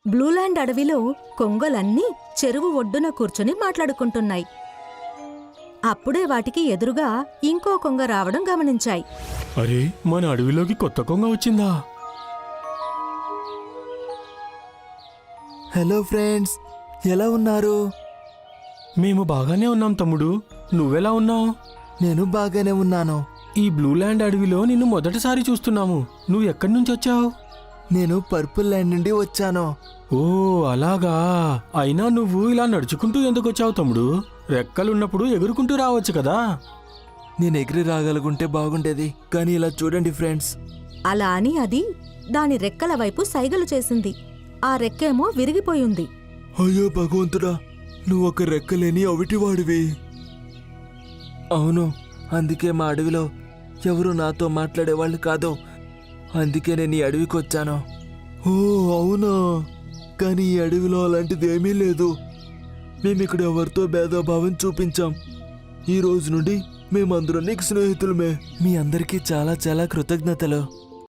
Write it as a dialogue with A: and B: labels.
A: Blueland అడవిలో కొంగలన్నీ చెరువు ఒడ్డున కూర్చుని మాట్లాడుకుంటున్నాయి. అప్పుడే వాటికి ఎదురుగా ఇంకో కొంగ రావడం గమనించాయి.
B: అరే, మన అడవిలోకి కొత్త కొంగ వచ్చిందా?
C: హలో ఫ్రెండ్స్, ఎలా ఉన్నారు?
B: మేము బాగానే ఉన్నాం తమ్ముడు. నువ్వెలా ఉన్నావు?
C: నేను బాగానే ఉన్నాను.
B: ఈ బ్లూల్యాండ్ అడవిలో నిన్ను మొదటిసారి చూస్తున్నాము. నువ్వు ఎక్కడి నుంచి వచ్చావు?
C: నేను పర్పుల్ ల్యాండ్ నుండి వచ్చాను.
B: ఓ అలాగా. అయినా నువ్వు ఇలా నడుచుకుంటూ ఎందుకు వచ్చావు తమ్ముడు? రెక్కలున్నప్పుడు ఎగురుకుంటూ రావచ్చు కదా.
C: నేను ఎగిరి రాగలుగుంటే బాగుండేది, కానీ ఇలా చూడండి ఫ్రెండ్స్.
A: అలా అని అది దాని రెక్కల వైపు సైగలు చేసింది. ఆ రెక్కేమో విరిగిపోయింది.
C: అయ్యో భగవంతుడా, నువ్వు ఒక రెక్కలేని అవిటివాడివి. అవును, అందుకే మా అడవిలో ఎవరు నాతో మాట్లాడేవాళ్ళు కాదు. అందుకే నేను ఈ అడవికి వచ్చాను. ఓ అవునా, కానీ ఈ అడవిలో అలాంటిది ఏమీ లేదు. మేమిక్కడ ఎవరితో భేదభావం చూపించాం. ఈ రోజు నుండి మేమందరం నీకు స్నేహితులమే. మీ అందరికీ చాలా చాలా కృతజ్ఞతలు.